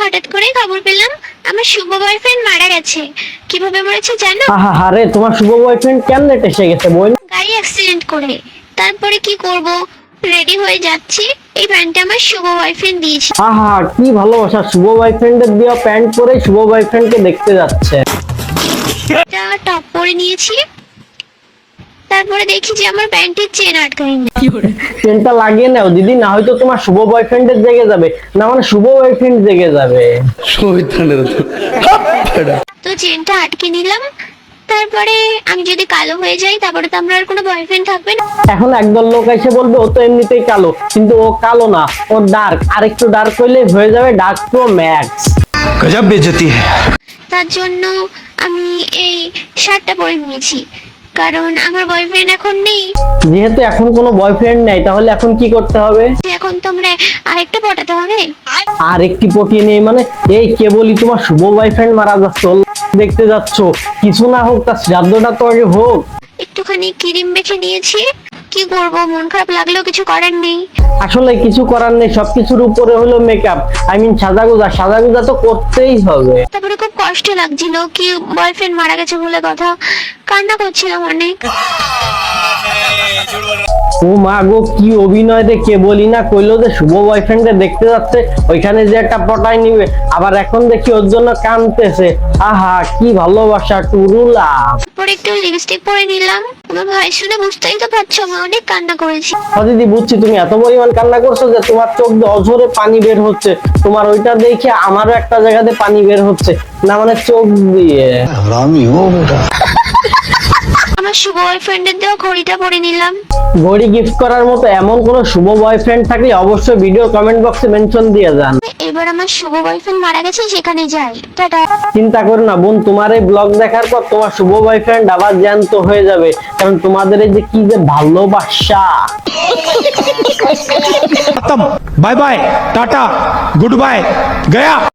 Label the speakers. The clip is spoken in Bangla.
Speaker 1: হঠাৎ করে খবর পেলাম আমার শুভ বয়ফ্রেন্ড মারা গেছে। কিভাবে মরেছে জানো?
Speaker 2: আরে তোমার শুভ বয়ফ্রেন্ড কেমনে এসে গেছে বোন?
Speaker 1: গাড়ি অ্যাক্সিডেন্ট করে। তারপরে কি করব, রেডি হয়ে যাচ্ছি, এই প্যান্টটা আমার শুভ বয়ফ্রেন্ড দিয়েছে।
Speaker 2: কি ভালোবাসা, শুভ বয়ফ্রেন্ডের দেওয়া প্যান্ট পরে শুভ বয়ফ্রেন্ডকে দেখতে যাচ্ছে।
Speaker 1: একটা টপ পরে নিয়েছি, তারপরে দেখি যে আমার প্যান্টের চেন আটকাই না।
Speaker 2: চেনটা লাগিয়ে নাও দিদি, না হয়তো তোমার শুভ বয়ফ্রেন্ডের জেগে যাবে, না মানে শুভ বয়ফ্রেন্ড জেগে যাবে।
Speaker 1: তো চেনটা আটকে নিলাম। তারপরে আমি যদি কালো হয়ে যাই তারপরে তো আমার আর কোনো বয়ফ্রেন্ড থাকবে না।
Speaker 2: এখন একদল লোক এসে বলবে ও তো এমনিতেই কালো, কিন্তু ও কালো না, ও ডার্ক। আর একটু ডার্ক হইলে হয়ে যাবে ডার্ক প্রো ম্যাক্স।
Speaker 3: गजब बेइज्जती है।
Speaker 1: তার জন্য আমি এই শার্টটা পরে নিয়েছি, কারণ আমার বয়ফ্রেন্ড এখন নেই।
Speaker 2: যেহেতু এখন কোনো বয়ফ্রেন্ড নাই, তাহলে এখন কি করতে হবে?
Speaker 1: এখন তোমরা আরেকটা পটাতে হবে।
Speaker 2: আর একটি পটিয়ে নেই মানে? এই কেবলই তোমার শুভ বয়ফ্রেন্ড মারা যাচ্ছে, দেখতে যাচ্ছ, কিছু না হোক তার শ্রাদ্ধটা তো আগে হোক।
Speaker 1: একটুখানি ক্রিম মেখে নিয়েছি, কি করব, মন খারাপ লাগলেও কিছু করার নেই।
Speaker 2: আসলে কিছু করার নেই, সবকিছুর উপরে হলো মেকআপ, সাজাগুজা তো করতেই হবে।
Speaker 1: তারপরে খুব কষ্ট লাগছিল, কি বয়ফ্রেন্ড মারা গেছে বলে কথা, কান্না করছিলাম অনেক।
Speaker 2: ও মা গো, কি অভিনয় রে! কে বলি না কইলো যে শুভ বয়ফ্রেন্ডে দেখতে যাচ্ছে, ওইখানে যে একটা পটাই নিবে, আবার এখন দেখি ওর জন্য কাঁদতেছে। কি ভালোবাসা টুরুলা।
Speaker 1: তারপরে একটু লিপস্টিক পরে নিলাম। আমার ভাই শুনে বুঝতেই তো পারছো আমি অনেক কান্না করেছি।
Speaker 2: দিদি বুঝছি, তুমি এত পরিমাণ কান্না করছো যে তোমার চোখ দিয়ে অঝরে পানি বের হচ্ছে। তোমার ওইটা দেখে আমারও একটা জায়গাতে পানি বের হচ্ছে, না মানে চোখ দিয়ে।
Speaker 1: আমার শুভ বয়ফ্রেন্ডের দেওয়া ঘড়িটা পরে নিলাম।
Speaker 2: ঘড়ি গিফট করার মতো এমন কোন শুভ বয়ফ্রেন্ড থাকলে অবশ্যই ভিডিও কমেন্ট বক্সে মেনশন দিয়ে যান।
Speaker 1: এবার আমার শুভ বয়ফ্রেন্ড মারা গেছে, সেখানে যাই। টাটা।
Speaker 2: চিন্তা করো না বোন, তোমার এই ব্লগ দেখার পর তোমার শুভ বয়ফ্রেন্ড আবার জ্যান্ত হয়ে যাবে, কারণ তোমাদের এই যে কি যে ভালোবাসা।
Speaker 3: खत्म, bye bye, tata, good bye, गया।